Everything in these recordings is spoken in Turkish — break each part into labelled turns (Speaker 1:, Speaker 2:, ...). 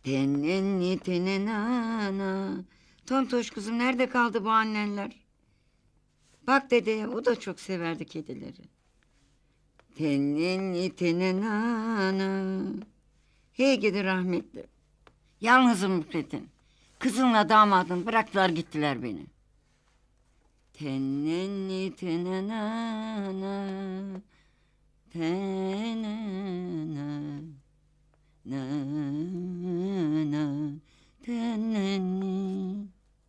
Speaker 1: Tenenni tenenana. Tontoş kızım, nerede kaldı bu annenler? Bak dedeye, o da çok severdi kedileri. Tenenni tenenana. Hey gidi rahmetli. Yalnızım Müfrettin. Kızınla damadın bıraktılar gittiler beni. Tenenni tenenana. Tenena. Na na tenenni.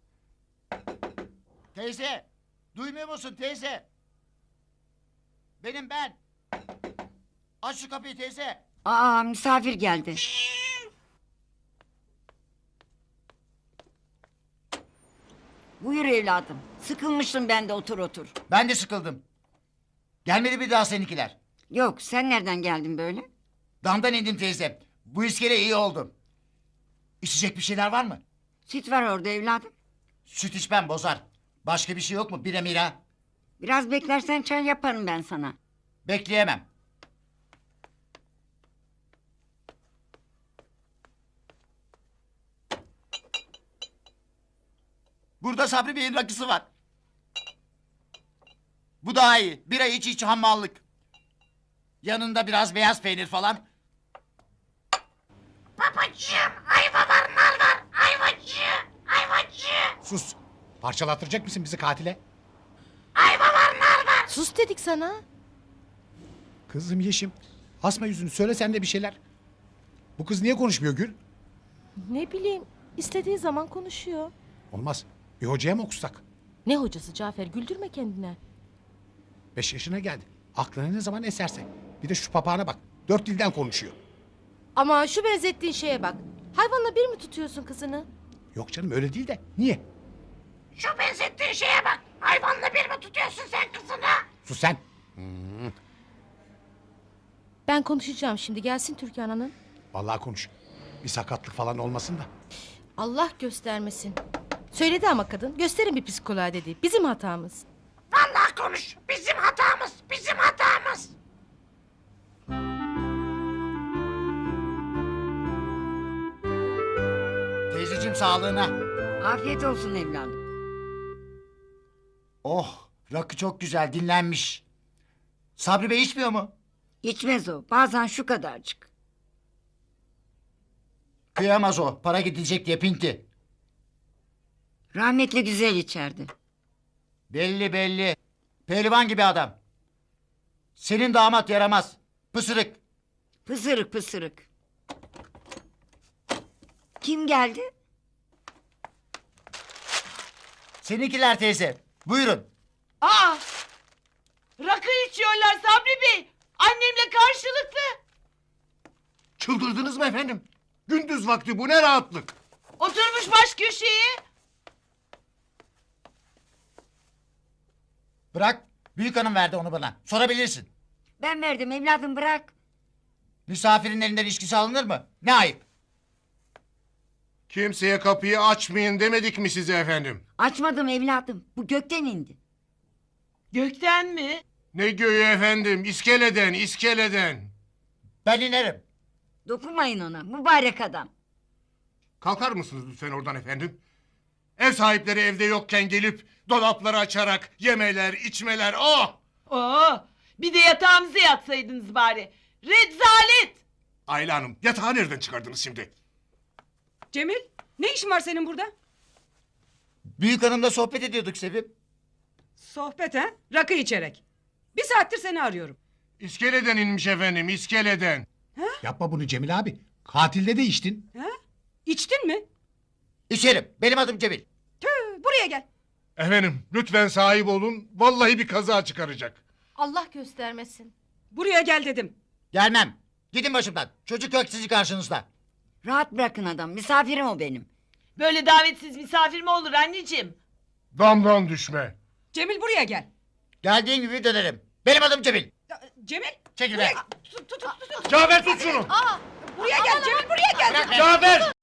Speaker 2: Teyze, duymuyor musun teyze? Benim ben. Aç şu kapıyı teyze.
Speaker 1: Aa, misafir geldi. Buyur evladım. Sıkılmıştım ben de, otur otur.
Speaker 2: Ben de sıkıldım. Gelmedi bir daha seninkiler.
Speaker 1: Yok, sen nereden geldin böyle?
Speaker 2: Damdan indim teyze. Bu iskele iyi oldu. İçecek bir şeyler var mı?
Speaker 1: Süt var orada evladım.
Speaker 2: Süt içmem bozar. Başka bir şey yok mu? Bira mira.
Speaker 1: Biraz beklersen çay yaparım ben sana.
Speaker 2: Bekleyemem. Burada Sabri Bey'in rakısı var. Bu daha iyi. Bira iç iç hammallık. Yanında biraz beyaz peynir falan. Babacığım, ayva var, nal var. Ayvacı, ayvacı.
Speaker 3: Sus. Parçalattıracak mısın bizi katile?
Speaker 2: Ayva var, nal var.
Speaker 4: Sus dedik sana.
Speaker 3: Kızım Yeşim. Asma yüzünü, söyle sen de bir şeyler. Bu kız niye konuşmuyor Gül?
Speaker 4: Ne bileyim, istediği zaman konuşuyor.
Speaker 3: Olmaz. Bir hocaya mı okusak?
Speaker 4: Ne hocası Cafer, güldürme kendine.
Speaker 3: 5 yaşına geldi. Aklına ne zaman eserse. Bir de şu papağana bak. 4 dilden konuşuyor.
Speaker 4: Ama şu benzettiğin şeye bak. Hayvanla bir mi tutuyorsun kızını?
Speaker 3: Yok canım, öyle değil de. Niye?
Speaker 2: Şu benzettiğin şeye bak. Hayvanla bir mi tutuyorsun sen kızını?
Speaker 3: Sus sen.
Speaker 4: Ben konuşacağım şimdi, gelsin Türkan Hanım.
Speaker 3: Vallahi konuş. Bir sakatlık falan olmasın da.
Speaker 4: Allah göstermesin. Söyledi ama kadın, gösterin bir psikoloğa dedi. Bizim hatamız.
Speaker 2: Vallahi konuş. Bizim hatamız. Bizim hatamız. Teyzeciğim sağlığına.
Speaker 1: Afiyet olsun evladım.
Speaker 2: Oh, rakı çok güzel, dinlenmiş. Sabri Bey içmiyor mu?
Speaker 1: İçmez o. Bazen şu kadarcık.
Speaker 2: Kıyamaz o. Para gidecek diye pinti.
Speaker 1: Rahmetli güzel içerdi.
Speaker 2: Belli belli. Pehlivan gibi adam. Senin damat yaramaz. Pısırık.
Speaker 1: Pısırık pısırık. Kim geldi?
Speaker 2: Seninkiler teyze. Buyurun.
Speaker 5: Aa! Rakı içiyorlar Sabri Bey. Annemle karşılıklı.
Speaker 6: Çıldırdınız mı efendim? Gündüz vakti bu ne rahatlık?
Speaker 5: Oturmuş baş köşeye.
Speaker 2: Bırak. Büyük hanım verdi onu bana. Sorabilirsin.
Speaker 1: Ben verdim evladım, bırak.
Speaker 2: Misafirin elinden içkisi alınır mı? Ne ayıp.
Speaker 6: Kimseye kapıyı açmayın demedik mi size efendim?
Speaker 1: Açmadım evladım. Bu gökten indi.
Speaker 5: Gökten mi?
Speaker 6: Ne göğü efendim? İskeleden, iskeleden.
Speaker 2: Ben inerim.
Speaker 1: Dokunmayın ona, mübarek adam.
Speaker 6: Kalkar mısınız lütfen oradan efendim? Ev sahipleri evde yokken gelip dolapları açarak yemeler, içmeler, oh!
Speaker 5: Oo! Bir de yatağımıza yatsaydınız bari. Rezalet!
Speaker 6: Ayla Hanım, yatağı nereden çıkardınız şimdi?
Speaker 7: Cemil, ne işin var senin burada?
Speaker 2: Büyük hanımla sohbet ediyorduk Sevim.
Speaker 7: Sohbet ha? Rakı içerek. Bir saattir seni arıyorum.
Speaker 6: İskeleden inmiş efendim, iskeleden.
Speaker 3: Yapma bunu Cemil abi. Katilde de içtin.
Speaker 7: Ha? İçtin mi?
Speaker 2: İçerim. Benim adım Cemil.
Speaker 7: Tüh, buraya gel.
Speaker 6: Efendim, lütfen sahip olun, vallahi bir kaza çıkaracak.
Speaker 4: Allah göstermesin.
Speaker 7: Buraya gel dedim.
Speaker 2: Gelmem. Gidin başımdan. Çocuk yok sizi karşınızda.
Speaker 1: Rahat bırakın adam, misafirim o benim.
Speaker 5: Böyle davetsiz misafir mi olur anneciğim?
Speaker 6: Damdan düşme.
Speaker 7: Cemil buraya gel.
Speaker 2: Geldiğin gibi dönerim. Benim adım Cemil.
Speaker 7: Cemil,
Speaker 2: Çekil be.
Speaker 7: tut.
Speaker 6: Cafer tut şunu!
Speaker 7: Buraya gel Cemil, buraya gel.
Speaker 2: Bırak be.
Speaker 6: Cafer!